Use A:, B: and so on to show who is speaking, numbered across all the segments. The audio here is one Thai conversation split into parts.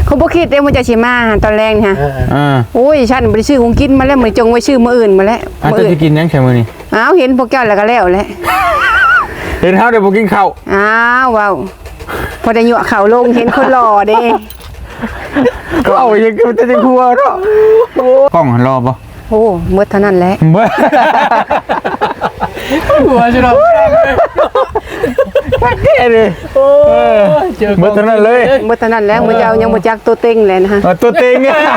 A: เขาบ่คิดเด้มันจะสิมาตอนแรกนี่ฮะโอ้ยฉันบ่ได้ซื้อของกินมาแล้วมื้อจงไว้ซื้อมื้ออื่นมาแล้ว
B: มื้ออื่นจะกินยังใช่มื้อนี้
A: อ้าวเห็นพวกเจ้าแล้วก็แล้วแหละ
B: เห็นเฮาได้บ่กินข้าว
A: อ้าวว้าวพอได้ยั่วข้าวลงเห็นคนหล่อเด้
B: ก็เอายังจะได้ครัวเนาะกล้องรอบ่
A: โอ้หมดเท่านั้นแหละ
C: หัวจะเรา
B: แค่เลยหมดเท่านั้นเลย
A: หมดเท่านั้นแล้วมื้อเจ้ายังบ่จักตัวเต็งเลยนะฮะ
B: ตัวเต็ง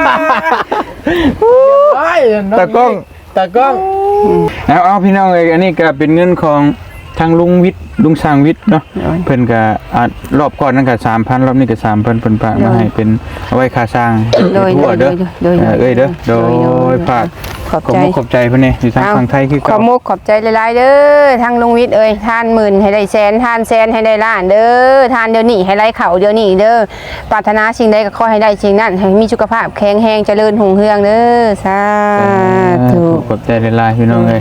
B: ตากล้องเอาพี่น้องเอ้ยอันนี้ก็เป็นเงินของทางลุงวิทย์ลุงสร้างวิทย์เนาะเพิ่นก็รอบก่อนนั่นก็ 3,000 รอบนี้ก็ 3,000เพิ่นฝากมาให้เป็นเอาไว้ค่าสร้างทั่วเด้อเอ้ยเด้อโดยฝากขอบใจเพิ่นนี่อยู่ทางฝั่งไทยคือ
A: ขอบใจหลายๆเด้อทางลุงวิทย์เอ้ยทานหมื่นให้ได้แสนทานแสนให้ได้ล้านเด้อทานเดี๋ยวนี้ให้ได้เข้าเดี๋ยวนี้เด้อปรารถนาสิ่งใดก็ขอให้ได้สิ่งนั้นให้มีสุขภาพแข็งแรงเจริญรุ่งเรืองเด้อสาธุ
B: ขอบใจหลายๆพี่น้องเอ้ย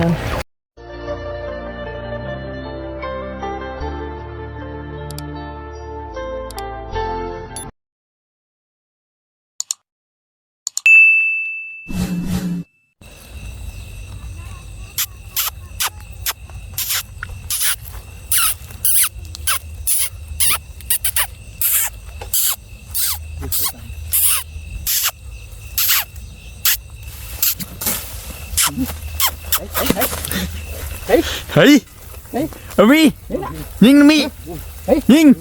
B: เฮ้ยเอามียิงมียิง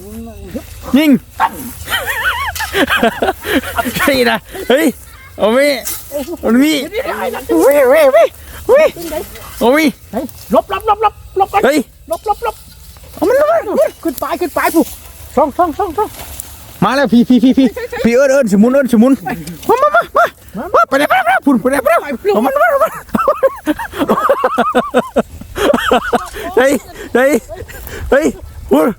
B: ใช่นะเฮ้ยเอามีเอามีเอามี
C: ลบกัน
B: เฮ้ย
C: ลบเอามันขึ้นไปผู้ช่อง
B: มาแล้วพี่เอิญสมุนมาไปไหนพุ่นไปไหนมันเฮ้ยพุ่น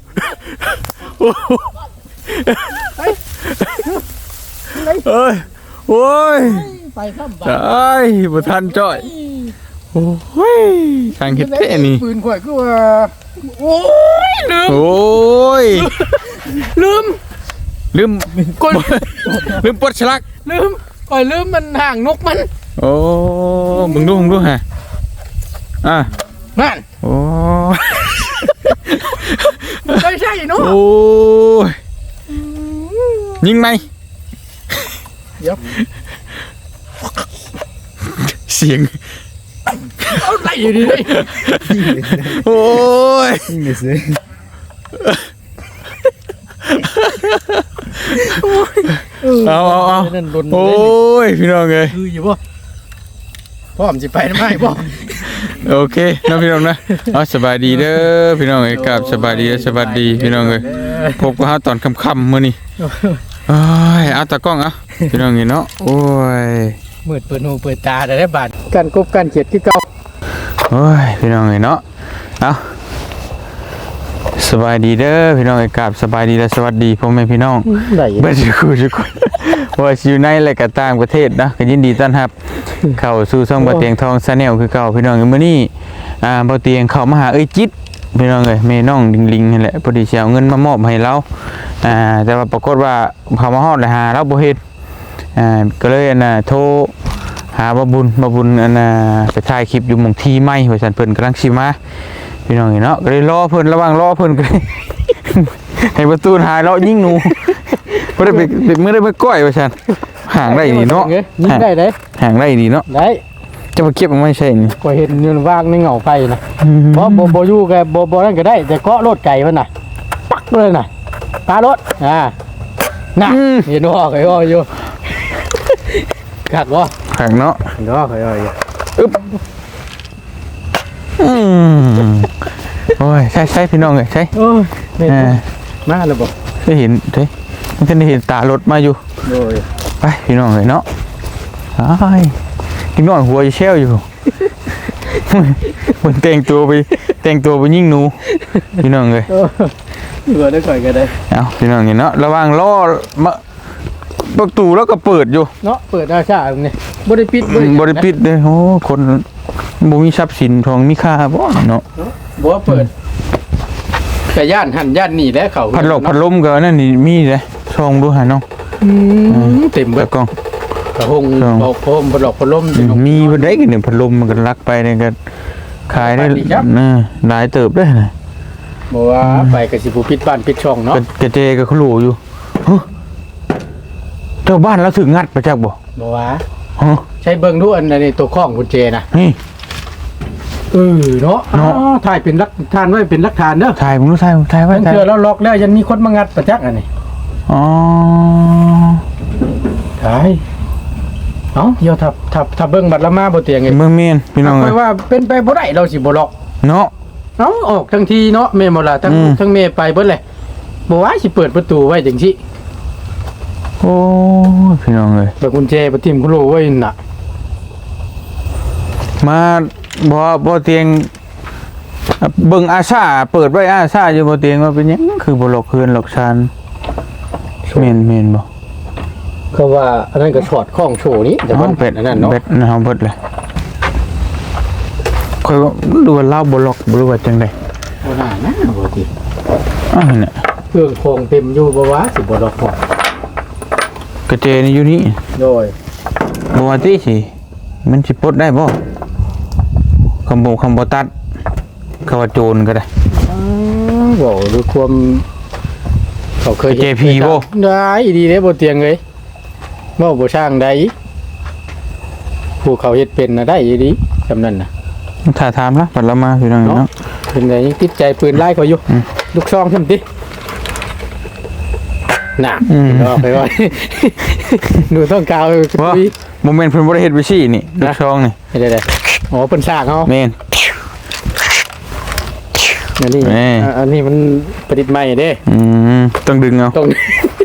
B: โอ้ย
C: ไปข้ามบ้
B: านไอ้บุทันจ่อยโอ้ยทางคิดแค่นี้
C: ปืนข่อยก็ว่าโอ้ย
B: ลืมปลดฉลัก
C: ข่อยลืมมันห่างนกมัน
B: โอ้มึงดูฮะ
C: นั่น
B: โอ้
C: ไม่ใช่เนาะ
B: โอ้ยิงไหม
C: เดี๋ยว
B: เสียง
C: เอาไหลอยู่ดิ
B: โอ้ย
C: ยิงเลยสิ
B: เอาโอ้ยพี่น้องเลย
C: คืออยู่ป่ะพ่อผมจะไปทำไมพ่อ
B: โอเคน้องพี่น้องนะสบายดีเด้อพี่น้องเอ้ยกับสบายดีพี่น้องเอ้ยพบกับตอนค่ำๆมื้อนี้เอาตากล้องพี่น้องนี่เนาะโอ้ย
C: มืดเปิดหูเปิดตาได้บาดการกบการเขียดคือเก่า
B: โอ้ยพี่น้องเอ้ยเนาะเอาสบายดีเด้อพี่น้องเอ้ยกับสบายดีและสวัสดีพ่อแม่พี่น้องเบิดทุกคนว่าอยู่ในและก็ต่างประเทศนะก็ยินดีต้อนรับเข้าสู่ช่องบ่เตียงทองชาแนลคือเก่าพี่น้องมื้อนี้บ่เตียงเข้ามาหาจิตพี่น้องเอ้ยแม่น้องลิงนี่แหละพอดีสิเอาเงินมามอบให้เราแต่ว่าปรากฏว่าเขามาฮอดแล้วหาเราบ่เฮ็ดก็เลยโทรหาบ่บุญไปถ่ายคลิปอยู่หม่องที่ใหม่ว่าซั่นเพิ่นกำลังสิมาพี่น้องเนาะก็เลยรอเพิ่นระหว่างรอเพิ่นก็ให้ประตูหายแล้วยิงหนูบ่ได้ไปได้ไปก้อยว่าซั่นห่างได้นี่เนาะ
C: ยิงได้เด้
B: ห่างได้นี่เนาะ
C: ได้
B: จะมาเก็บมันไม่ใช่นี่
C: ก็เห็นอยู่ว่างในเงาไฟนะเพราะบ่อยู่แกบ่นั่นก็ได้แต่เกาะรถไก่มันน่ะปักเลยน่ะตารถน่ะเห็นว่าไอ้อ้ออยู่ขัดวะ
B: ขัดเนาะ
C: เนาะไอ้อ้ออยู่
B: อึ๊บโอ้ยใช่พี่น้องเลยใช่
C: มาแล้วบอก
B: ได้เห็นมันจะได้เห็นตารถมาอยู่ไปพี่น้องเลยเนาะพี่น้องหัวจะเชี่ยวอยู่มันแต่งตัวไปยิงหนูพี่น้องเลย
C: หัวได้ก่อยกันได้
B: เอาพี่น้องเนาะระวังล้อมาประตูแล้วก็เปิดอยู่
C: เนาะเปิดอาชาตรงนี้บริปิด
B: เลยโอ้คนบ่มีทรัพย์สินทองมีค่าบ่เนาะ
C: บ่เปิดแต่ย่านหันย่านหนีแล้วเขา
B: พัดลมก็นั่นนี่มีเลยช่องดูหาน้อง
C: เต็มเบิ
B: ตะ
C: ด
B: กล้อง
C: กระหงบอกโคมบ่ดอกพัดลม
B: มีบ่ได้กันเนี่ยพัดลมมันก็ลักไปเนี่ยก็ขายได้หลายเติบได้นะ
C: บ่ว่าไปก็สิผู้ปิดบ้านปิดช่องเนาะ
B: กระเจก็เขาหลูอยู่เจ้าบ้านแล้วถึงงัดไปจักบ่
C: บ่ว่าใช้เบิ่งดูอันนี้ตัวข้องกุญแจนะ
B: นี่
C: เนาะถ่ายเป็นหลักฐานไว้เป็นหลักฐานเด้อ
B: ถ่ายมึงรู้ถ่ายไว้
C: เทื่อเราล็อกแล้วยังมีคนมางัดประจักษ์อันนี้
B: อ๋อ
C: ถ่ายเอ้าเดี๋ยวถ้าเบิ่งบัดละมาบ่เตียงไง
B: เมืองเมียนพี่น้อง
C: ค่อยว่าเป็นไปบ่ได้เราสิบ่ล็อก
B: เนาะ
C: เอ้าออกทั้งทีเนาะแม่บ่ล่ะทั้งแม่ไปเบิดเลยบ่ว่าสิเปิดประตูไว้จังซี่
B: โอ้พี่น้องเลย
C: แบบกุญแจบ่ทิ่มกุโลไว้น่ะ
B: มาบ่เตียงเบิ่งอาซาเปิดไว้อาซาอยู่บ่เตียงว่าเป็นหยังคือบ่หลอกเพื่อนหลอกชานเมนบ่
C: เขาว่าอันนั้นก็ช็อตข้องโชว์นี้แต่มัน
B: เป็ด
C: อันนั้นเนาะ
B: เป็ดนะเฮาเบิดเลยค่อยว่าดูว่าเล่าบ่หลอกบ่รู้ว่าจังได๋
C: บ่น่านะบ่ติ
B: เนี่ย
C: เครื่องโครงเต็มอยู่บ่ว่าสิบ่ล็อกพอก
B: ระเจนี่อยู่นี่
C: โดย
B: บ่ว่าติสิมันสิปลดได้บ่คำบ่ตัดเขาว่าโจรก็ได้
C: บอกดูความเขาเคย
B: JP บ่
C: ได้ดีเด้บ่เตียงเลยบ่บ่ช่างได้ผู้เขาเฮ็ดเป็นน่ะได้ดีจำนั้นน่ะ
B: ถ้าถามละปัดละมาพี่น้องเนาะ
C: เป็นไงติดใจปืนไล่เขาอยู่ลูกซองทำติน่ะเอาไปไว้ ดูต้องกาว
B: ว่า
C: คุย
B: โมเมนต์เพิ่นบ่ได้เฮ็ดไว้ซี่นี่ลูกช่องนี่
C: ได้ๆอ๋อเพิ่นสร้างเฮา
B: แม่น
C: อันนี้
B: แม่
C: อันนี้มันประดิษฐ์ใหม่เด้
B: ต้องดึงเอา
C: ต้อง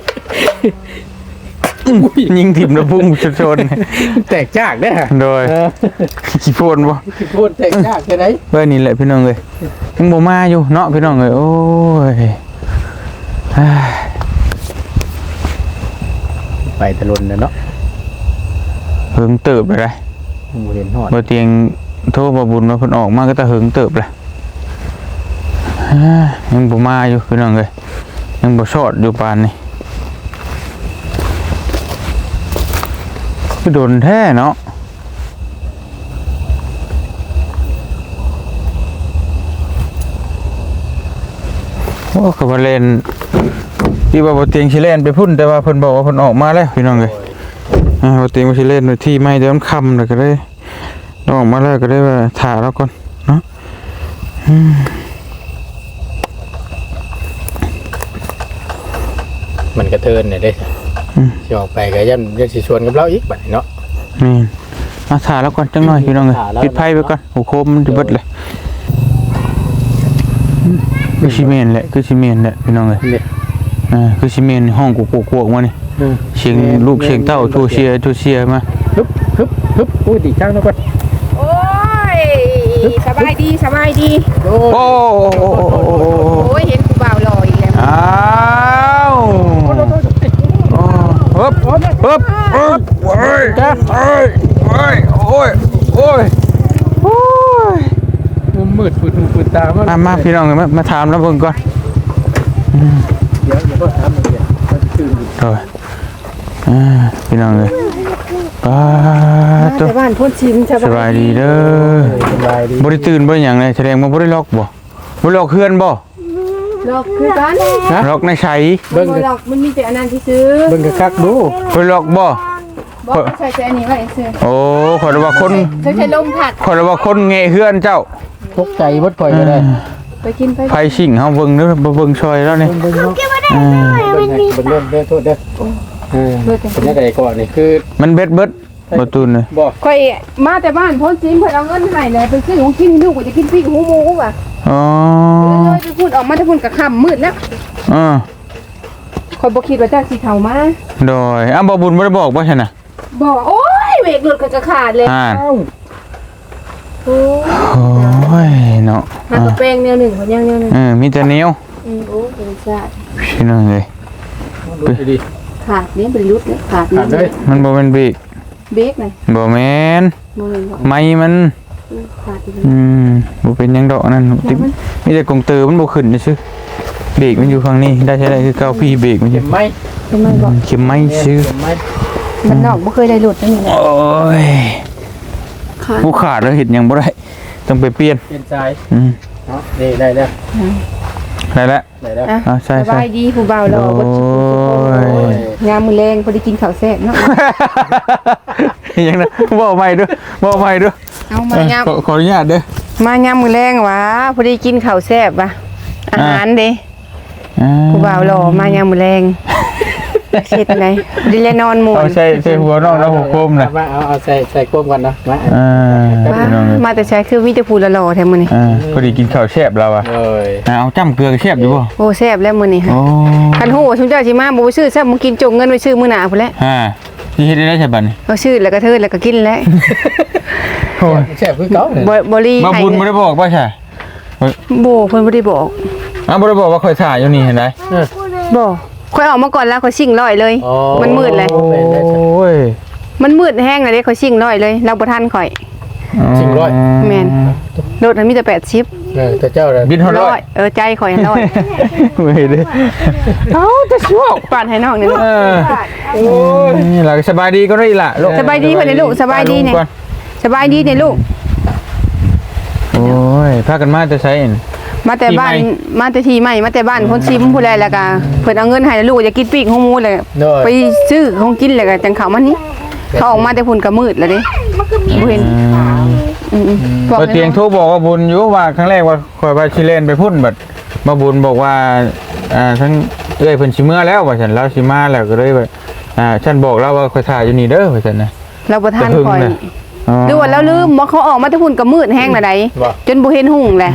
B: ยิงถิ่มแล้วพุ่งชน
C: แตกจากเด้อ
B: ๆโดยขี้โพนบ่
C: พูดแตกจากแค่ไหน
B: เว้ยนี่แหละพี่น้องเอ้ยยังบ่มาอยู่เนาะพี่น้องเอ้ยโอ้ย
C: ไปตะลุนเนาะ
B: เหิงเติบเลย
C: บ่เห็นฮอด
B: บ่เตียงโทรบ่บุญว่าเพิ่นออกมาก็ตะเหิงเติบเลยยังบ่มาอยู่พี่น้องเอ้ยยังบ่ชอดอยู่ปานนี้คือโดนแท้เนาะโอ้ก็บ่เล่นที่ว่าบ่เตียงสิเล่นไปพุ่นแต่ว่าเพิ่นบอกว่าเพิ่นออกมาแล้วพี่น้องเอ้ยบ่เตียงบ่สิเล่นที่ไม่เดี๋ยวมันค่ำแล้วก็ได้ออกมาแล้วก็ได้ว่าถ่าแล้วก่อนเนาะ
C: มันกระเทินเนี่ยเด้สิออกไปก็ยันสิชวนกับเราอีกบัดนี้เนาะ
B: นี่มาถ่าแล้วก่อนจังหน่อยพี่น้องเอ้ย
C: ถ่าแล้ว
B: ปิดไฟไปก่อนโอ้โคมมันจะเบิดเลยคือซีเมนต์แหละคือซีเมนต์แหละพี่น้องเอ้ย
C: นี่
B: คือซีเมนต์ห้องกูกวกๆมานี่เสียงลูกเสียงเต้าทูเชียมา
C: ฮึบอุ้ยดีจังแล้วก่อน
A: โอ้ยสบายดี
C: โอ้
B: โอ้
A: โอ้ยเห็นกูบ่าวรออีกแล้ว
B: อ้าวฮึบโอ้ยโอ้ย
C: มันมืดปืดตามัน
B: มาพี่น้องมาถามแล้วเพิ่นก่อน
C: เดี๋ยวก็ถามมันเดี๋ยวมันตื่นอยู่
B: โดยพี่น้องเลยป้าตัว
A: แต่บ้านพ้นชิม
B: สบายดีเด้อ
C: สบายดี
B: บ่ได้ตื่นบ่ได้หยังเลยแสดงว่าบ่ได้ล็อกบ่บ่ล็อกเฮือนบ่
A: หลอกคือกัน
B: ล็อกในไส
C: เบิ่ง
A: หลอกมันมีแต่อันนั้นที่ซื้อ
C: เบิ่งคักดู
B: บ่ล็อกบ่
A: บอกใส่อันนี้ไว้ซื้อ
B: โอ้ขอยว่าคน
A: ใช้ลมผัด
B: ขอยว่าคนแงะเฮือนเจ้า
C: ตกใจเบิดข่อยก็ได้
A: ไปกินไป
B: ไฟชิงเฮาเบิ่งเด้อบ่เบิ่งซอยแล้วนี่
C: เบิ่งเนาะเบิ่งเริ่มเด้อโทษเด้อเป็นยังไงก่อนนี่คือ
B: มันเบิดบ่ตุนเลย
C: บ่
A: ค่อยมาแต่บ้านพ้นชิมเพิ่นเอาเงินให้เลยไปซื้อของกินลูกก็จะกินปีกหูหมูว่ะ
B: อ๋อ
A: เลยไปพูดออกมาแต่พุ่นก็ค่ำมืดแล้ว คอยบอกคิดว่าเจ้าสีเทามา
B: โดยบ่บุญบ่ได้บอกบ่ใช่น่ะ
A: บอกโอ้ยเบรกหลุดก็ขาดเลย
C: เอ้า
A: โอ้
B: โอ้ยเนาะ
A: หากระแปงแนวหนึ่งคนยังแนวหนึ่ง
B: มีแต่แนว
A: โอ้บริษัท
B: พี่น้องเลย
C: ดูดี
A: ขาดนี้บริยุทธ์เนี่ยขาด
C: ขาดเลย
B: มันบ่แม่นเบรก
A: เบรกเลย
B: บ่แม่น
A: โมเมนต์
B: ไม้มัน
A: ขาดไปเลย
B: บ่เป็นหยังดอกนั่นติมีแต่กงเตอมันบ่ขึ้นซื่อเบรกมันอยู่ฝั่งนี้ได้ใช้ได้คือเก้าพี่เบรกมัน
C: เข็
B: จะ
C: มไหม
A: ทำไมบอก
B: เข็มไม้ซื้อ
C: เข็มไหม
A: มันนอกบ่เคยได้หลุดนั่นนี่แหละ
B: โอ้ย
A: ขาด
B: ผู้ขาดแล้วเห็ดหยังบ่ได้ต้องไปเปลี่ยน
C: เปลี่ยนสาย
B: อืม
C: เนาะนี่ได้แล้ว
B: ได้แล้ว
C: ได้แล้ว
A: อ่ะ
B: ใช่
A: ส
B: ใช่
A: บายดีผู้บ่าวรอบ่ชิงามมือแรงพอได้กินข้าวแซ่บเนาะ
B: ยังนะบอกใหม่ด้วยบอกใหม่ด้วย
A: เอามายาม
B: ขออนุญาตเด้อ
A: มายามมือแรงหวะพอได้กินข้าวแซ่บว่ะอาหารเด้ผู้บ่าวรอมายามมือแรงเฮ็ดไงดิเลนอนหมู่
B: เอาใส่หัวนอกแล้วหัวโคมนะ
C: มาเอาใส่ก้มกันนะมา
A: มาแต่ใช้คือมีแต่ผู้ละหล่อแท้มื้อนี้
B: พอดีกินข้าวแซ่บแล้วอ่ะ
C: เอ้ย
B: เอาจ้ำเกลือแซ่บอยู่บ่
A: โอ้แซ่บแล้วมื้อนี้ฮะ
B: โอ้
A: คันฮู้ว่าชุมเจ้าสิมาบ่ไปซื้อแซ่บมึงกินจงเงินไปซื้อมื้อหน้าพุ่นแหละ
B: ที่เฮ็ดได้ใช่บัดนี้
A: เอาซื้อแล้วก็เทิดแล้วก็กินแล้ว
B: โอ้ย
C: แซ่บคือเก่าเลย
A: บ่รี
B: มา
A: ให้
B: บุญบ่ได้บอกป่ะใช่
A: บ่เพิ่นบ่ได้บอก
B: บ่ได้บอกว่าค่อยถ่ายอยู่นี่เห็นไหม
A: บ่ค่อยออกมาก่อนแล้วค่อยชิ่งร้อยเลย มันมืดเลย
B: โอ้ย
A: มันมืดแห้งเลยเด้ค่อยชิ่งร้อยเลยเราบ่ทันข่อย
C: จริงร้อย
A: แม่นรถมันมีแต่80
C: แต่เจ้าเลย
B: บินเท่าร้อย
A: ใจข่อยร้อย
B: ไม่ได้เอาจะชั่ว
A: ปาดให้น้องนี่
B: โอ้ยนี่ล่ะสบายดีก็ได้ล่ะลูก
A: สบายดีเพิ่นนี่ลูกสบายดีนี่สบายดีนี่ลูก
B: โอ้ยพากันมาจะใช้เอง
A: มาแต่บ้านมาแต่ทีใหม่มาแต่บ้านคนซิมผู้ใดแล้วก็เพิ่นเอาเงินให้ลูกอยากกินปีกของหมูเลยไปซื้อของกินแล้วก็จังเขามานี่เขาออกมาแต่พุ่นก็มืดแล้วเด้บ่เห็นบอก
B: เตียงโทรบอกว่าบุญอยู่ว่าครั้งแรกว่าคอยไปชิเลนไปพุ่นบัดมาบุญบอกว่าทั้งเอ้ยเพิ่นสิเมื่อแล้วว่าฉันเราสิมาแล้วก็เลยว่าฉันบอกเราว่าคอยถ่ายอยู่นี่เด้อว่าฉันนะ
A: เราบ่ทันคอยหรือว่าเราลืมบ่เขาออกมาแต่พุ่นก็มืดแห้งแล้วใดจนบ่เห็นหุ่งแหละ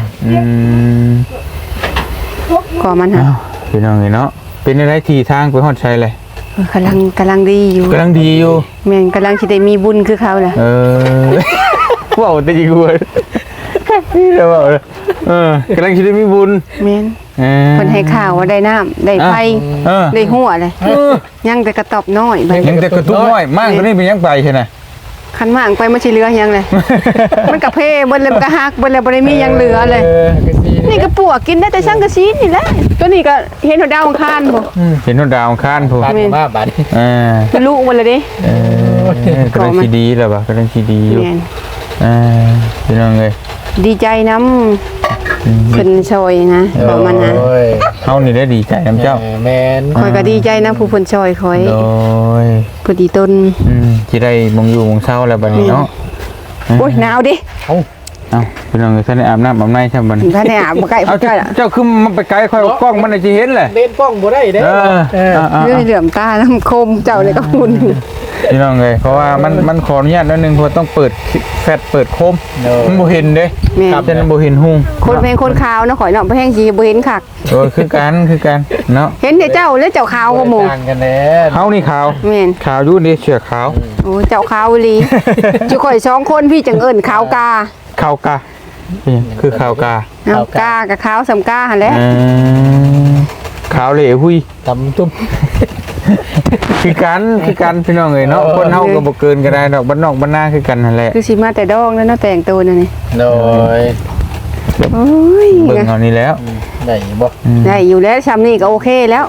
A: ก็มันฮะ
B: พี่น้องเนาะเป็นอะไรทีทางไปฮอดชัยเลย
A: กำลังดีอยู่
B: กำลังดีอยู่
A: แม่นกำลังสิได้มีบุญคือเขาแหละ
B: ว้าวแต่อีกเว้ยนี่แล้วว่ากำลังสิได้มีบุญ
A: แม่นเพิ่นให้ข่าวว่าได้น้ำได้ไฟได้หัวเลยยังแต่กระตอบน้อยบัด
B: ยังแต่กระตุ้นน้อยมากกว่านี้เป็นยังไปใช่ไหม
A: คันมากไปมันสิเหลือหยังเลย มันกะเพเบิ่นเลยมันกะฮักเบิ่นเลยบ่ได้มีหยังเหลือเลย นี่ก็ปวกกินได้แต่ช่างกะซีนี่แหละตัวนี้ก็เห็นดาวอังคารบ่
B: เห็นดาวข้านผู้
C: บาดมาบาด
A: เป็นลูกมันเลยเด้
B: กำลังสีดีแล้วปะกำลังสีดีอยู่
A: แม่น
B: พี่น้องเลย
A: ดีใจนำเพิ่นช่วยนะบอกมันนะ
B: เฮานี่ได้ดีใจน้ำเจ้า
C: แมน
A: ข่อยก็ดีใจนะผู้เพิ่นช่วยข่อย
B: โดย
A: เพิ่นดีต้น
B: ที่ได้มงอยู่มงเศร้าแล้วบัดนี้เนาะ
A: โอ้ยหนาวดิ
B: เอ้าพี่น้องท่านได้อาบน้ำอาบในใช่บัดนี้
A: ถ้าได้อาบบ่ใกล้
B: เอา
A: บ่ใกล้ล่ะ
B: เจ้าคือมันไปไกลค่อยกล้องมันจะเห็นแหละ
C: เล่นกล้องบ่ได้เด้
A: เรื่องเหลื่อมตาน้ำคมเจ้านี่ก็หุ่น
B: พี่น้องเลยเพราะว่ามันขออนุญาตนิดนึงเพราะต้องเปิดแฟลชเปิดโคมมันบ่เห็นเด้
A: แม่
B: ครับฉะนั้นบ่เห็นหุ่ง
A: คนเพลงคนขาวนะข่อยเนาะบ่แห้งสิบ่เห็นคัก
B: คือกันเนาะ
A: เห็นแต่เจ้าแล้วเจ้าขาวกว่าหมู่
C: ต่างกันแน่
B: เฮานี่ขาว
A: แม่น
B: ขาวอยู่นี่เสือขาว
A: โอ้เจ้าขาวอีหลีจุข่อย2คนพี่จังเอิ้นขาวกา
B: ขาวกาคือขาวกา
A: เอากากับขาวสำกาหั่นแหละ
B: ขาวเหล่หุย
C: ตำตุ้ม
B: คือกันพี่น้องเอ้ยเนาะคนเฮาก็บ่เกินก็ได้ดอกบ้านนอกบ้านนาคือกันนั่นแหละ
A: คือสิมาแต่ดองแล้วเนาะแต่งตัวนั่นนี่
C: โดย
A: โอ้ย
B: เบิ่งเอานี่แล้ว
C: ได้บ่
A: ได้อยู่แล้วซ้ำนี่ก็โอเคแล้ว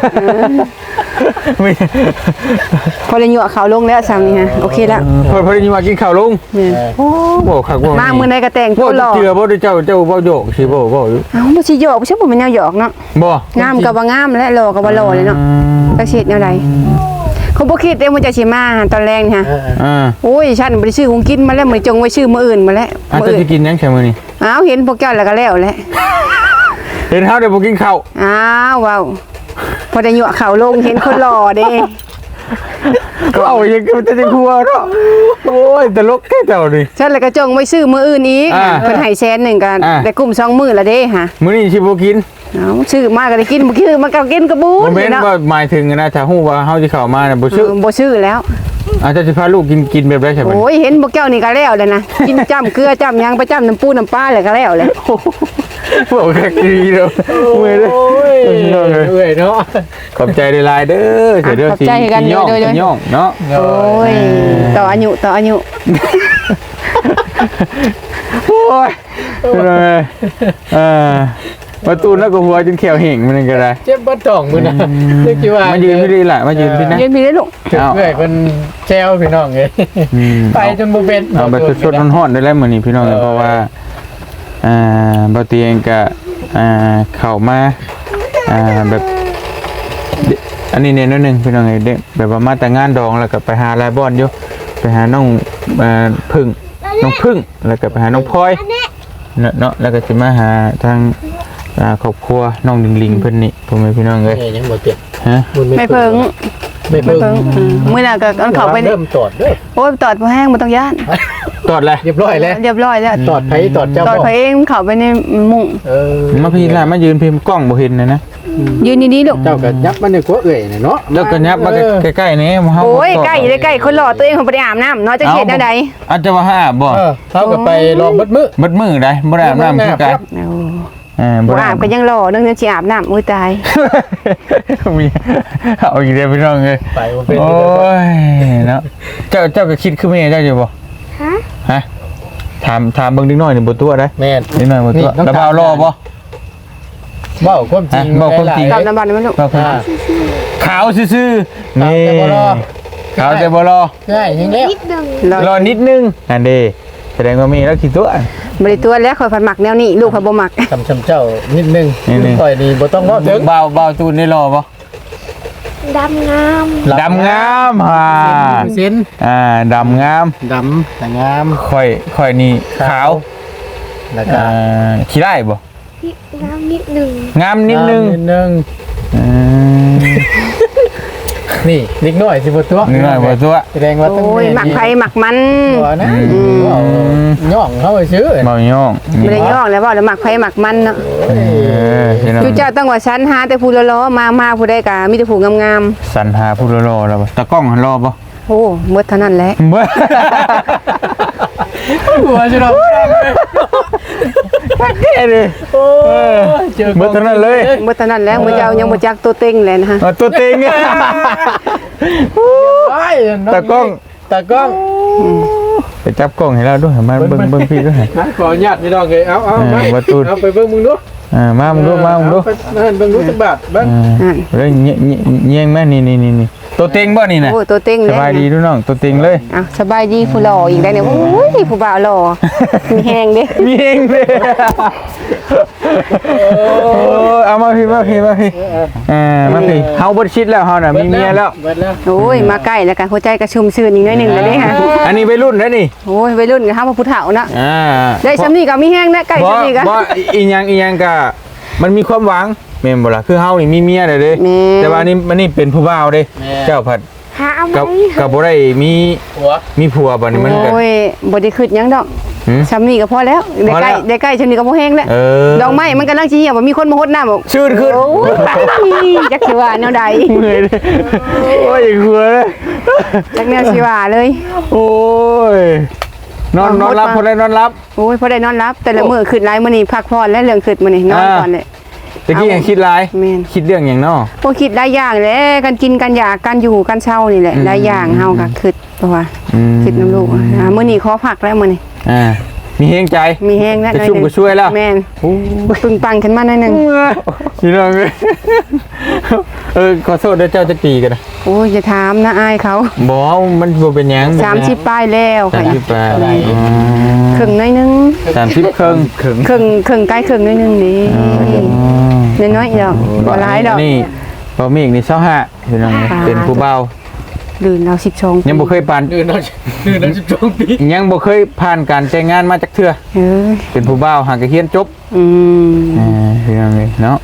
A: พอได้ยั่วเขาลงแล้วซ้ำนี่ฮะโอเคแล้ว
B: พอได้ยินว่ากินข้าวลุง
A: แม่น
B: โอ้บ่คักบ่
A: มามื้อใดก็แต่งตัวหล่อ
B: เจือบ่ได้เจ้าบ่โยกสิบ่อยู่
A: เอ้าบ่สิหยอกบ่ใช่บ่แม่นแนวหยอกเนาะ
B: บ่
A: งามก็บ่งามและหล่อก็บ่หล่อเลยเนาะจักสิเฮ็ดแนวใดเขาบ่คิดเด้ว่าจะสิมาตอนแรกนี่ฮะ โอ้ยฉันบ่ได้ซื้อของกินมาแล้วมื้อจงไว้ซื้อมื้ออื่นมาแล้ว
B: อาจจะสิกินยังใช่มื้อนี้
A: อ้าวเห็นพวกเจ้าแล้วก็แล้วแหละ
B: เห็นเฮาได้บ่กินข้าว
A: อ้าวว้าวพอได้ยั่วเขาลงเห็นคนหล่อเด้
B: ก็เอาอย่างมันจะครัวเนาะโอ้ยตลกแค่เจ้านี่
A: ฉันแล้วก็จงไว้ซื้อมื้ออื่นอีกเพิ่นให้แสนหนึงก็ได้กุ้ม2มื้อละเด้ฮะ
B: มื้อนี้สิบ่กิน
A: เอาซื้อมาก็ได้กินบ่คือมันก็กินกระบู
B: บ่
A: ด
B: แม่น
A: เนาะ
B: ว่าหมายถึงนะถ้าฮู้ว่าเฮาสิเข้ามาน่ะบ่ซื้อ
A: บ่ซื้อแล้ว
B: อาจจะสิพาลูกกินแบบไรใช่ไหม
A: โอ้ยเห็นพวกเจ้านี่ก็แล้วเลยนะกินจ้ำเกลือจ้ำหยังไปจ้ำน้ำปูน้ำปลาเลยก็แล้วเลย
B: โอ้ยดีเด้อเมื่อยเลย
C: เอ้ยเนาะ
B: ขอบใจหลายๆเด้อเสียเด้อสิย่องเนาะ
A: โอ้ยต่ออายุ
B: โอ้ยประตูแล้วก็หัวจนแขวเห่งมันก็ได้
C: เจ็บบ่ต้องมื้อนะนึกว่า
B: มายืนพี่ดีล่ะมายืนพี่นะ
A: ยืนพี่ได้ลูก
C: เอ้ยเพิ่นแซวพี่น้องเอ้ยไปจนบ่เป็น
B: เอาแบบสดๆร้อนๆได้แล้วมื้อนี้พี่น้องเพราะว่าบ่เตียงก็เข้ามาแบบอันนี้เนี่ยนิดนึงพี่น้องเด็กแบบว่ามาแต่งานดองแล้วก็ไปหาลายบอนอยู่ไปหาน้องพึ่งน้องพึ่งแล้วก็ไปหาน้องพลอยเนาะแล้วก็จะมาหาทางครอบครัวน้องลิงเพิ่นนี่พ่อแม่พี่น้องเอ้ย
C: ยังบ่เจ็บ
B: ฮะ
A: ไม่เพิง
C: ไม่เพิ่ง
A: มื้อน่ะก็เอาเขาไป
C: เริ่มตอดเด้อ
A: โอ้ยตอดบ่แห้งบ่ต้องย่าน
B: ตอดเลย
C: เรียบร้อยแล้ว
A: เรียบร้อยแล้ว
C: ตอดไผตอดเจ้า
A: ตอด
C: บ่
A: ไปเองเขาไปในมุ้ง
B: มาพี่ล่ะมายืนพิมพ์กล้องบ่เห็นนะ
A: ยืนดีๆลูก
C: เจ้าก็ยับมันในกัวเอ้ยเนาะ
B: แล้วก็ยับมาใกล้ๆนี่เฮา
A: โอ้ยใกล้ได้ใกล้คนหล่อตัวเองของบ่ได้อาบน้ำเนาะจะเฮ็ดแนวใด
B: อาจจะว่าอาบบ่
C: เท่ากับไปรอมืดมืด
B: มืดมือได้บ่ได้อาบน้ำคือกัน
A: บ่อาบก็ยังหล่อนึงจะสิอาบน้ำอุ้ยตาย
B: มีเอาอีกแล้วพี่น้องเอ้ย
C: ไปบ่เป็น
B: โอ้ยเนาะเจ้าก็คิดคือแม่เจ้าอยู่บ่ฮะถามเบิ่งนิดหน่อยนี่บ่ตัวได้
C: แม่น
B: นิดหน่อยบ่ตัวแล้วบ่าวรอบ่
C: เว้าความจริง
B: เว้าความจริง
A: กับน้ำบันมันลูก
B: ขาวซื่อๆนี่ขาวแต่บ่รอ
C: ใช่ยังแล้ว
B: รอนิดนึงอันเด้แสดงว่ามีแล้วคิดตัว
A: บ่ได้ตัวแล้วข่อยฝันมักแนวนี้ลูกข่อยบ่มัก
C: ทำเจ้านิดนึงค่อยนี่บ่ต้องเว้าถึง
B: บ่าวตูนได้รอบ่
D: ดำงาม
B: ดำงาม
C: เส้น
B: ดำงาม
C: ดำแต่งาม
B: ค่อยนี่ขาว
C: แล้วก็
B: ขี้ได้บ่
D: งามนิดหนึ่ง
B: งามนิดนึง
C: นิดนึงนี่นิดหน่อยสิบ่ตัว
B: นิดหน่อยบ่ตัว
C: แสดงว่าต้อง
A: โอ้ยมักไผมักมัน
C: บ่นะย่องเข้าไปซื้อ
B: บ่ย่อง
A: บ่ได้ย่องแล้วบ่แล้วมักไผมักมันเนาะจุเจ้าต้องว่าฉันหาแต่ผู้ล้อๆมาผู้ใดก็มีแต่ผู้งาม
B: สรรหาผู้รอแล้วบ่ตะกล้องหันรอบ่
A: ๆโอ้หมดเท่านั้นแหละ
B: เบ่
C: หัวสิเรา
B: แก่เลย
C: โอ้เจอ
B: เบ่เท่านั้นเลย
A: หมดเท่านั้นแล้วมื้อเจ้ายังบ่จักตัวเต็งเลยนะฮะ
B: ตัวเต็ง ตะกล้อง
C: ตะกล้อง
B: ไปจับกล้องให้เราด้วยมาเบิ่งพี่ด้วย
C: นะขออนุญาตพี่น้องเอ้ยเอามาตูนเอาไปเบิ่งมึงดู
B: มามึงดู
C: นั่นเบิ่งดูจักบาทเบิ่ง
B: เรื่องเงี้ยงแม่นี่ตัวเต็งบ่นี่นะ
A: โอ้ตัวเต็ง
B: ส
A: เลย
B: บายดีด้วยน้องตัวเต็งเลย
A: อ้าวสบายดีผู้หล่ออีกได้เนี่ยโอ้ยผู้บ่าวหล่อมีแฮงเด้
B: มีเองเลยเอามาพี่มาพี่มาพี่เฮาบ่ชิดแล้วเฮาน่ะมีเมียแล้ว
C: เบิดแล้ว
A: โอ้ยมาใกล้แล้วกันหัวใจกระชุ่มชื่นอีกหน่อยหนึงแล้วเด้ฮะ
B: อันนี้วัยรุ่นแล้วนี่
A: โอ้ยวัยรุ่นก็เฮามาผู้เฒ่านะได้ซำนี้ก็มีแฮงนะใกล้
B: บ่
A: ซำนี้ก็
B: บ่อีหยังก็มันมีความหวังแม่นบ่ล่ะคือเฮานี่มีเมียแล้วเด้
A: แม่
B: แต่ว่านี่มันนี่เป็นผู้บ่าวเด้เจ้าผัด
D: หาเอาไหม
B: กับบ่ได้มี
C: หัว
B: มีผัวบัดนี้มันก็
A: โอ้ยบ่ได้คิดหยังดอก
B: หืม
A: ซำนี้ก็พอแล้วได้
B: พอ
A: ใก
B: แล้
A: ล้ว ได้ใกล้ซำนี้ก็บ่แฮงแล้ว ดอกไม้มันกำลังสิเหี่ยวบ่มีคนมาหดน้ำบอก
B: ชื่นขึ้น
A: โอ้ยจักสิว่าแนวใด
B: เมื่อยเลยโอ้ยหัวเลย
A: จักแนวสิว่าเลย
B: โอ้ยนอนรับพอได้นอนรับ
A: โอ้ยพอได้นอนรับแต่ละมื้อขึ้นหลายมื้อนี้พักผ่อนและเรื่องขึ้นมื้อนี้นอนก่อนเลย
B: ตะกี้ยังคิดหลาย
A: แม่น
B: คิดเรื่องอย่างเนาะ
A: พวกคิดได้อย่างแหละกันกินกันอยากกันอยู่กันเช่านี่แหละได้อย่างเฮาก็คิดเพราะว่าคิดน้ำลูกมื้อนี้ขอพักแล้วมื้อนี้
B: มีเฮงใจ
A: มีแห้งแล้ว
B: จะชุ่มก็ช่วยแล้ว
A: แม่นปึงปังขึ้นมาหน่อยหนึง
B: พี่น้องเลยขอโทษด้วยเจ้าจะตีกันนะ
A: โอ้ยอย่าถามนะอายเขา
B: บอกมันบ่เป็นหยัง
A: 30ป้ายแล้ว
B: สา
A: ค่ะ
B: มสิบแปด
A: ครึ่งหน่อยหนึง
B: 30ครึ่ง
A: ครึ่งใกล้ครึ่งหน่อยหนึงนี่น้อยๆดอกบ่หลายดอก
B: นี่พอมีอีกนี่25พี่น้องเป็นผู้เบา
A: ลื่นเอา12
B: ยังบ่เคยผ่าน
C: เดือนละ12ปี
B: ยังบ่เคยผ่านการแต่งงานมาจากเทื่อ
A: เอ้ย
B: เป็นผู้เบาหางกระเฮียนจบ พี่น้องเลยเนาะ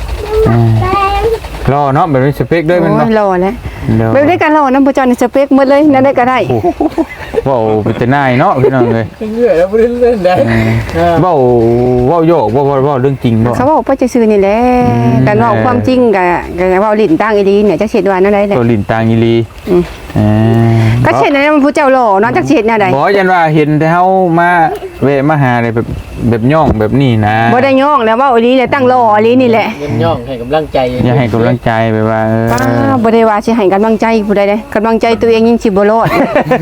B: รอเนาะแบบนี้สเปคด้วยมัน
A: โอ้
B: เนาะ
A: ยรอแล้ว
B: เดี๋ยว
A: แบบได้กันรอน้ำบ่จอนี่สเปคหมดเลยนั่นได้ก็ได้
B: ว้าวเป็นแต่นายเนาะพี่น้องเลย
C: เรื่อยแล้วบ่ได้เล่นได้
B: ว้าวโยกว้าวเรื่องจริงบ่
A: เขาบอกว่าจะซื้อนี่แหละกันว่าความจริงกับว่าลิ้นตั้งอีดีเนี่ยจะเฉดว่านั่นได้แหละ
B: ตัวลินตางอีลี
A: ก็เฉดนั่นมันผู้เจ้าหล่อเนาะจักเฉดแนวใด
B: บอกยันว่าเห็นแต่เฮามาแวะมาหาอะไรแบบย่องแบบนี้นะ
A: บ่ได้ย่องแล้วว่าอีดีเลยตั้งหล่ออีดีนี่แหละ
C: เงินย่องให้กำลังใจ
B: อยากให้กำลังใจไปว่า
A: ป้าบ่ได้ว่าสิให้กำลังใจผู้ใดเด้กำลังใจตัวเองยิ่งสิบ่รอด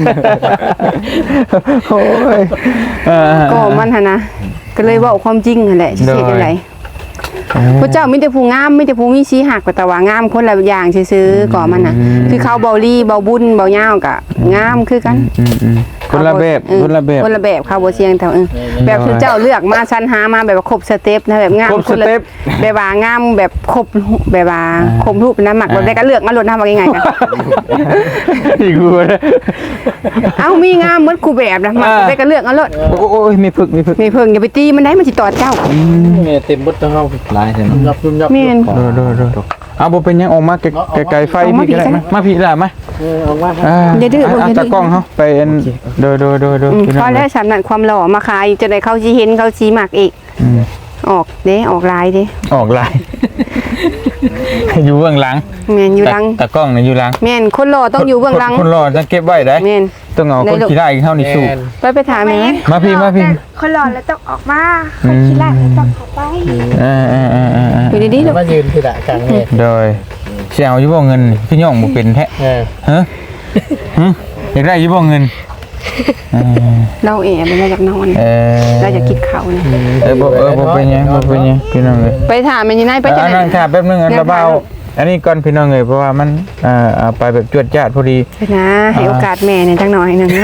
B: โอ้ย
A: ก็มันหั่นนะก็เลยเว้าความจริงนั่นแหละสิเฉดจังไดพระเจ้ามีแต่ผู้งามมีแต่ผู้มีสีหักแต่ว่างามคนละอย่างซื่อๆก่อมันน่ะคือเขาเบาลี่เบาบุญเบาย่าวก็งามคือกัน
B: คนละแบบคนละแบบ
A: คนละแบบเขาบ่เสียงเท่าแบบคือเจ้าเลือกมาสรรหามาแบบว่าครบสเต็ปนะแบบงาม
B: ครบ
A: คนละ
B: สเต็ป
A: แบบว่างามแบบครบแบบว่าครบรูปน้ำหมักแบบได้ก็เลือกมาลดน้ำว่าง่ายๆกัน
B: อีกกูเลย
A: เอ้ามีงามเหมือนกูแบบนะมันได้ก็เลือกเอาลด
B: โอ้ยมีพึกมีพึก
A: มีเพิ่งอย่าไปตีมันได้มันสิตอดเจ้า
C: แม่เต็มบดทั้งเฮาหลายใช่มั้ยยับยับ
A: แม่น
B: ดูเอาบ่เป็นยังออกมาไกลไฟพี่ก็ได้มาพี่ได้ไหม
C: ออกมา
A: อย่าดื้อบ่
B: เอา
A: อย่าดื้อ
B: ตากล้องเฮาไปอันดูพี่น้
A: พ
B: อ
A: อง แล้วสำนักความหล่อมาขายจะได้เขาสิเห็นเขาสิมักอีกออกเด้ออกลายเด้
B: ออกลายอยู่เบื้องหลัง
A: แม่นอยู่หลัง
B: ตากล้องนี่อยู่หลัง
A: แม่นคนหล่อต้องอยู่เบื้องหลัง
B: คนรอจะเก็บไว้ได้
A: แม่น
B: ต้องเอาคนขี้ได้เข้านี่สู้
A: ไปถามแม่
B: มาพี่
D: คนหล่อแล้วต้องออกมาคนขี้ละแล้วต้องเข้าไป
A: อยู่ดีๆลูก
C: มายืนที่ละกลางแม่
B: โดยเสียเอาอยู่บ่เงินพี่ย่องบ่เป็นแท้ฮะอยากได้อยู่บ่เงิน
A: เราแอบเราอยากนอนเราอยากกินข้าวนะ
B: บ่เป็นหยังพี่น้องเอ้ย
A: ไปถามแม่นี่นายไปจัง
B: นั่ง
A: ได๋
B: ค่ะแป๊บนึงอันเบาอันนี้ก่อนพี่น้องเอ้ยเพราะว่ามันเอาไปแบบจวดจ้าดพอดี
A: นะให้โอกาสแม่เนี่ยจังหน่อยนึงเนาะ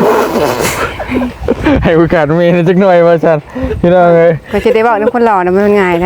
B: ให้โอกาสมีจักหน่อยว่าซั่นพี่น้องเอ้ย
A: ก็จะได้บอกนำคนหล่อนะมันง่ายนะ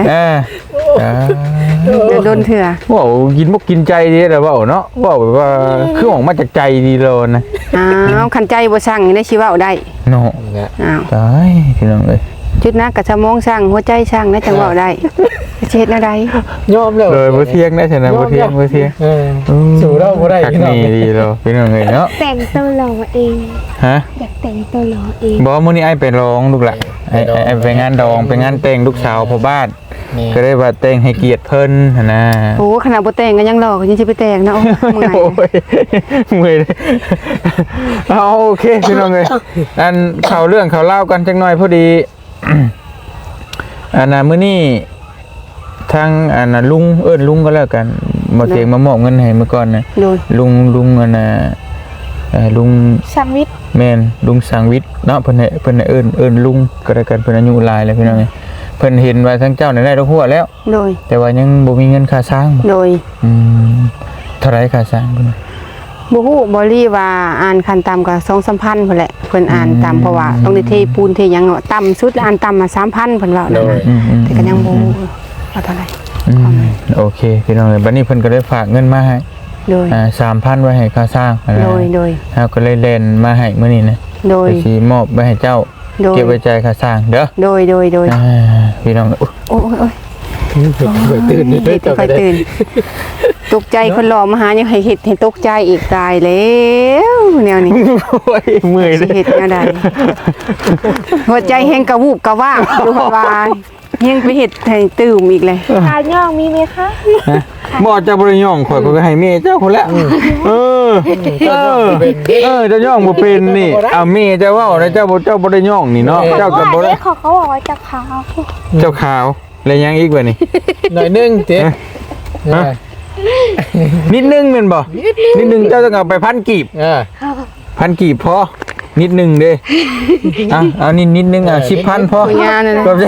A: เดี๋ยวโดนเถื่อ
B: ว้าวกินบ่กินใจดีแล้วเว้าเนาะว้าวแบบว่าคือออกมาจากใจดีโลนะ
A: อ้าวคันใจบ่สั่งได้สิเว้าได้
B: เนาะ
A: อ้าว
B: ตายพี่น้องเอ้ย
A: จุดนักกับสมองสั่งหัวใจสั่งได้จังเว้าได้เฮ็ดอะไร
C: ยอมแล้ว
B: เลยบ่เที่ยงได้ใช่นะบ่เที่ยง
C: สู่เราบ่ได้
B: คัก
C: พี่น้อง
B: นี่ดีโลพี่น้องเอ้ยเนาะ
D: แต่งตัวหล่อเอง
B: ฮะ
D: อยากแต่งตัวหล่อเอง
B: บอกว่ามื้อนี้ไอ้ไปร้องลูกหละไอ้ไปงานดองไปงานแต่งลูกสาวพ่อบ้านก็ได้ว่าแต่งให้เกียรติเพิ่นหั่นนะ
A: โอ้ขนาดบ่แต่งก็ยังหลอกยังสิไปแต่งเนาะเมื่อย
B: โอ้ยเมื่อยเลยเอาโอเคพี่น้องเอ้ยอันข่าวเรื่องข่าวเล่ากันจักหน่อยพอดี อันน่ะมื้อนี้ทางอันน่ะลุงลุงก็แล้วกันบ่เตียงมามอบเงินให้เมื่อก่อนนะ
A: โดย
B: ลุงอันน่ะลุง
D: สามวิทย์
B: แม่นลุงสังวิทย์เนาะเพิ่นให้เอิ้นลุงก็ได้กันเพิ่นอายุหลายแล้วพี่น้องเอ้ยเพิ่นเห็นว่าทั้งเจ้าได้ดอกหัวแล้ว
A: โดย
B: แต่ว่ายังบ่มีเงินค่าสร้าง
A: โดย
B: เท่าไหร่ค่าสร้างเพิ่น
A: บ่ฮู้บ่รีว่าอ่านคันต่ำก็2-3,000พุ่นแหละเพิ่นอ่านตามเพราะว่าต้องได้เทปูนเทหยังเนาะต่ำสุดอ่านต่ำมา 3,000เพิ่นว่านั่นน่ะแต่ก็ยังบ่รู้ว่าเท่าไหร่
B: โอเคพี่น้องเอ้ยบัดนี้เพิ่นก็ได้ฝากเงินมาให้
A: โดย
B: 3,000ไว้ให้ค่าสร้าง
A: โดย
B: เฮาก็เลยเล่นมาให้มื้อนี้นะ
A: โดย
B: ไปสิมอบไว้ให้เจ้า
A: โดย
B: เก็บไว้จ่ายค่าสร้างเด้อ
A: โดย
B: พี่น้อง
A: โอ้ย
C: ตื่น
A: เฮ็ดให้ค่อยตื่นตกใจคนหล่อมาหายังให้เฮ็ดให้ตกใจอีกตายแล้วแนวนี้
B: โอ้ยเมื่อยเล
A: สิ
B: ย
A: เฮ็ดแนวใดหัวใจแฮงกระวูบกระว่างอยู่ว่ายังไปเฮ็ดให้ตื่มอีกเลย
D: ขาย่องมีไหมคะ
B: บ่เจ้าบ่ได้ย่องข่อยก็ให้แม่เจ้าคนละจะย่องบ่เป็นนี่เอาแม่เจ้าเว้านะเจ้าบ่ได้ย่องนี่เนาะเจ้าก็บ่ได้
D: เขาบอกว่าจะขาว
B: เจ้าขาวแล้วยังอีกบ่นี่
C: หน่อยนึงเจ๊
B: นิดนึงแม่นบ่นิดนึงเจ้าต้องเอาไปพันกีบพันกีบพอนิดนึงเด้เอานิดนึง10,000พอ
A: งานนั่น
B: ก็
A: นะ
B: จะ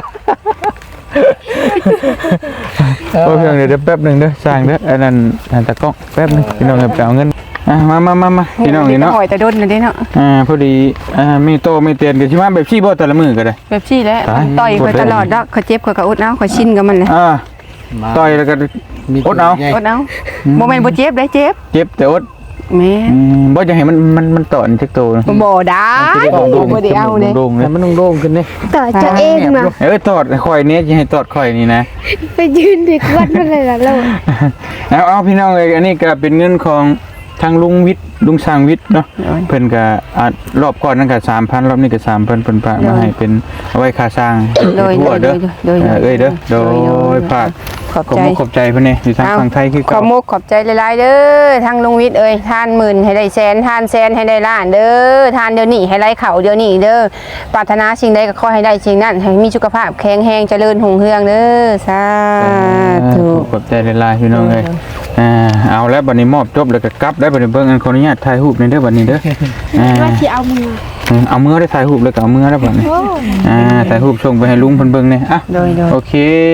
B: โอ้เพียงเดี๋ยวแป๊บนึงเด้อสร้างเด้ออันนั้นตะกล้องแป๊บนึงพี่น้องไปเอาเงินมาพี่น้องนี่เนาะ
A: หอยแต่ดนน่ะเด้เนาะ
B: พอดีมีโตมีเตียนก็สิมาแบบขี้บ่แต่ละมื้อก็ได้
A: แบบซี่แหละต่อยข่อยตลอดดอกข่อยเจ็บข่อยก็อุดเอาข่อยชินกับมันแหละ
B: ต่อยแล้วก็อดเอา
A: อุดเอาบ่แม่นบ่เจ็บได้เจ็บ
B: เจ็บแต่อด
A: แม่
B: บ่จะให้มันตอนจักโตนะ
A: บ่ได้บ่ได้เอาเด้
B: โด่งๆเลย
C: มันโด่งขึ้นนี่
D: ต่อจะเองนะ
B: ตอดข่อยนี้จะให้ตอดข่อยนี่นะ
D: ไปยืนเด็กวัดมาเลยล่ะเรา
B: เอาพี่น้องเอ้ยอันนี้ก็เป็นเงินของทางลุงวิทย์ลุงสร้างวิทย์เนาะเพิ่นก็รอบก่อนนั่นก็ 3,000 รอบนี้ก็ 3,000เพิ่นฝากมาให้เป็นเอาไว้ค่าสร้างทั่วเด้อเอ้ยเด้อโดยฝาก ขอบใจเพิ่นนี่อยู่ทางฝั่งไทยคือ
A: ขอบมุกขอบใจหลายๆเด้อทางลุงวิทย์เอ้ยทานหมื่นให้ได้แสนทานแสนให้ได้ล้านเด้อทานเดี๋ยวนี้ให้ไล่เขาเดี๋ยวนี้เด้อปรารถนาสิ่งใดก็ขอให้ได้สิ่งนั้นให้มีสุขภาพแข็งแรงเจริญรุ่งเรืองเด้อสาธุ
B: ขอบใจหลายๆพี่น้องเอ้ยเอาแล้วบัดนี้มอบจบแล้วก็กลับได้บัดนี้เบิ่งอันขออนุญาตถ่ายรูปในเด้อบัดนี้เด้อ
D: ว่าที่เอามือ
B: เอามือได้ถ่ายรูปเลยก็เอามือแล้วบัดนี้ถ่ายรูปส่งไปให้ลุงเพิ่นเบิ่งเนี่ยอ่ะ
A: โดย
B: โอเค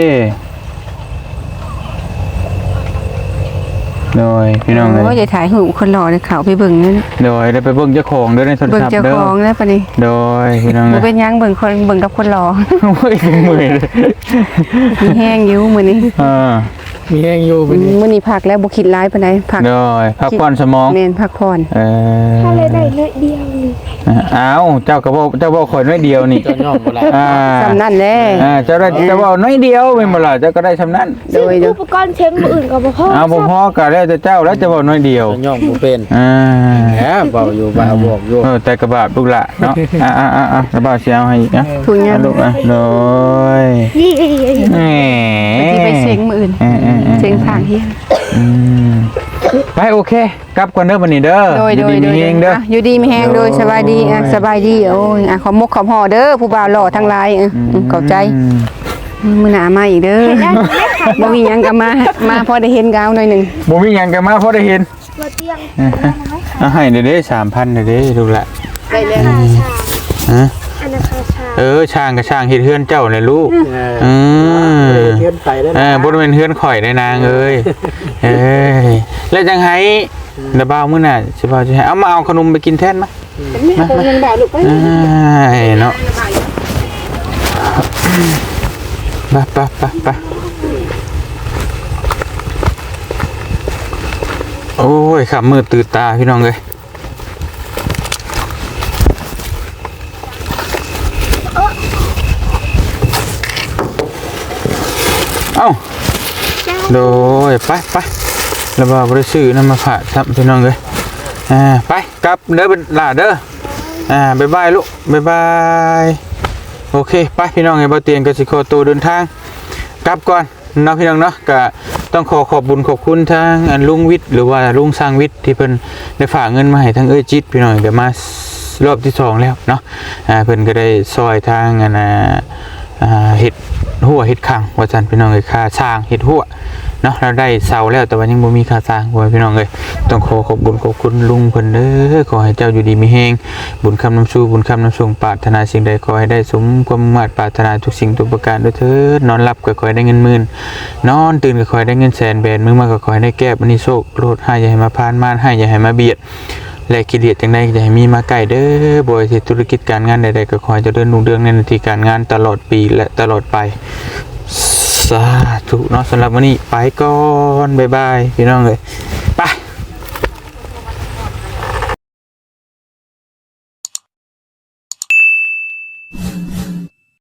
B: โดยพี่น้องเลย
A: โอ้ยอย่าถ่ายหูปคนหล่อเลยเขาไปเบิ่งนั่น
B: โดยได้ไปเบิ่งเจ้าของเด้อในโทร
A: เบิ่ง
B: ศัพท์
A: เจ้า
B: เด้อ
A: ของแล้วปะนี่
B: โดยพี่น้องเล
A: บ่
B: ย
A: เป็นหยังเบิ่งคนเบิ่งกับคนหล่อ
B: โอ้ยมือเลย
A: มีแห้งอยู่มื้อนี้
C: มีแห้งอยู่เป็น
A: มื้อนี้พักแล้วบ่คิดร้ายปานใดพัก
B: โดยพักผ่อนสมอง
A: แม่นพักผ่อน
D: ถ้าเลยได้เลยเดียวนี่
B: อ้าวเจ้าก็บอกเจ้าบอกคนน้อยเดียวนี่
C: เจ้าย่อมบ่ละ
A: สำนั่นแหละ
B: เจ้าได้เจ้าบอกน้อยเดียวเป็นบ่ล่ะเจ้าก็ได้สำนั้น
A: โดย
D: อุปกรณ์เช็งมืออื่นกับพ่อ
B: เอาพ่อก็แล้วแต่เจ้าแล้วจะบอกน้อยเดียว
C: เจ้าย่อมบ่เป็น แหมเบาอยู่บ่าบอกอยู่
B: แต่กระบาดลูกละเนาะกระบาดเสียเอาให้อีกนะ
A: ทุกอย่าง
B: ลูกโดย
D: นี่
B: แหม
A: ที่ไปเซ็งมื้ออื่นเซ็งทางเฮีย
B: ไปโอเคกลับก่อนเด้อบัดนี้เด้อ
A: โดย
B: ดีมีเองเด้อ
A: อยู่ดีมีแฮงโดยสบายดีสบายดีโอ้ยขอมกขอห่อเด้อผู้บ่าวหล่อทั้งหลายเข้าใจมื้อหน้ามาอีกเด้อบ่มีหยังก็มาพอได้เห็นกาวหน่อยหนึง
B: บ่มีหยังกันมาพอได้เห็น
D: มาเตียง
B: เอาให้เด้อ 3,000เด้อลูกละ
A: ไปเลย
B: ฮะ
D: อันนั้นคาชา
B: ช่างก็ช่างเฮ็ดเฮือนเจ้าน่ะลูก
C: เทียนไปแล้วนะ
B: บ่ได้เป็นเฮือนข่อยได้นางเอ้ยแล้วจังไห้เดี๋ยวบ่าวมื้อหน้าสิบ่าวสิให้เอามาเอาขนมไปกินแทนมา
A: มาเงินบ่าวลูกไป
B: เนาะไปโอ้ยขับมือตื่นตาพี่น้องเลยเอ้าโดยไปแล้วบ่าวได้ซื้อน้ำมาผ่าทับพี่น้องเลยไปกลับเด้อเป็นหลาเด้อบ๊ายบายลูกบ๊ายบายโอเคไปพี่น้องไอ้บ่เตียงก็สิขอตัวเดินทางกลับก่อนเนาะพี่น้องเนาะก็ต้องขอบบุญขอบคุณทางลุงวิทย์หรือว่าลุงสร้างวิทย์ที่เพิ่นได้ฝากเงินมาให้ทางจิตพี่น้องก็มารอบที่2แล้วเนาะเพิ่นก็ได้ซอยทางเฮ็ดหัวเฮ็ดข้างว่าซั่นพี่น้องเอ้ยค่าสร้างเฮ็ดหัวเนาะเราได้เสาแล้วแต่ว่ายังบ่มีค่าสร้างว่าพี่น้องเอ้ยต้องขอบบุญขอบคุณลุงเพิ่นเด้อขอให้เจ้าอยู่ดีมีแฮงบุญคำนำสู่บุญคำนำส่งปรารถนาสิ่งใดขอให้ได้สมความมุ่งมั่นปรารถนาทุกสิ่งทุกประการด้วยเถิดนอนหลับก็ขอให้ได้เงินหมื่นนอนตื่นก็ขอให้ได้เงินแสนแบนมือมาก็ขอให้ได้แก้บันนี้โชคโลดให้อย่าให้มาพานมานให้อย่าให้มาเบียดและกิเลสจังใดอย่าให้มีมาใกล้เด้อบ่ว่าสิธุรกิจการงานใดๆก็ขอให้เจริญรุ่งเรืองในหน้าที่การงานตลอดปีและตลอดไปสาธุเนาะสำหรับวันนี้ไปก่อนบ๊ายบายพี่น้องเอ้ย